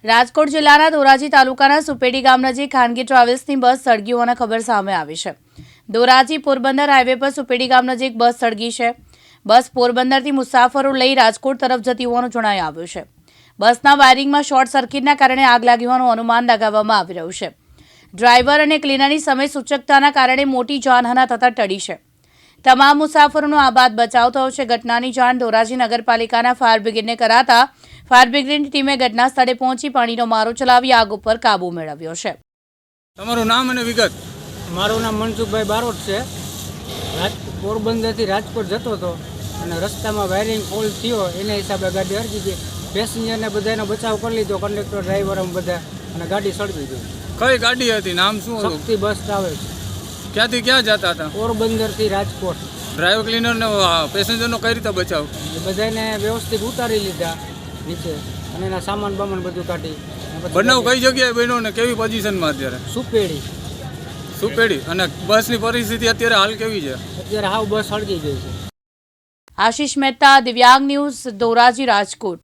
રાજકોટ જિલ્લાના ધોરાજી તાલુકાના સુપેડી ગામ નજીક ખાનગી ટ્રાવેલ્સની બસ સળગી હોવાના ખબર સામે આવી છે। ધોરાજી પોરબંદર હાઈવે પર સુપેડી ગામ નજીક બસ સળગી છે। બસ પોરબંદરથી મુસાફરો લઈ રાજકોટ તરફ જતી હોવાનું જણાઈ આવ્યું છે। બસના વાયરિંગમાં શોર્ટ સર્કિટના કારણે આગ લાગી હોવાનું અનુમાન લગાવવામાં આવી રહ્યું છે। ડ્રાઈવર અને ક્લીનરની સમય સૂચકતાના કારણે મોટી જાનહાનિ થતા ટળી છે। તમામ મુસાફરોનો આબાદ બચાવ થયો છે। ઘટનાની જાણ ધોરાજી નગરપાલિકાના ફાયર બ્રિગેડને કરાતા ફાયર બ્રિગેડની ટીમે ઘટના સ્થળે પહોંચી પાણીનો મારો ચલાવી આગ ઉપર કાબુ મેળવ્યો છે। તમારું નામ અને વિગત? મારું નામ મનસુખભાઈ બારોટ છે। પોરબંદરથી રાજકોટ જતો હતો અને રસ્તામાં વાયરિંગ ફોલ થયો, એના હિસાબે ગાડી અડકી ગઈ। પેસેન્જરને બધાનો બચાવ કરી લીધો, કંડક્ટર ડ્રાઈવર બધા, અને ગાડી સળગી ગઈ। કઈ ગાડી હતી? નામ શું હતું? Shakti bus travels. ક્યાંથી ક્યાં જતા હતા? પોરબંદરથી રાજકોટ। ડ્રાઈવર ક્લીનરને પેસેન્જરનો કઈ રીતે બચાવ? બધાને વ્યવસ્થિત ઉતારી લીધા નીચે અને એના સામાન બામાન બધું કાઢી। બનાવ કઈ જગ્યાએ બન્યો ને કેવી પોઝિશનમાં અત્યારે? સુપેડી। અને બસની પરિસ્થિતિ અત્યારે હાલ કેવી છે? અત્યારે હાવ બસ સળગી ગઈ છે। આશીષ મહેતા, દિવ્યાંગ ન્યૂઝ, ધોરાજી, રાજકોટ।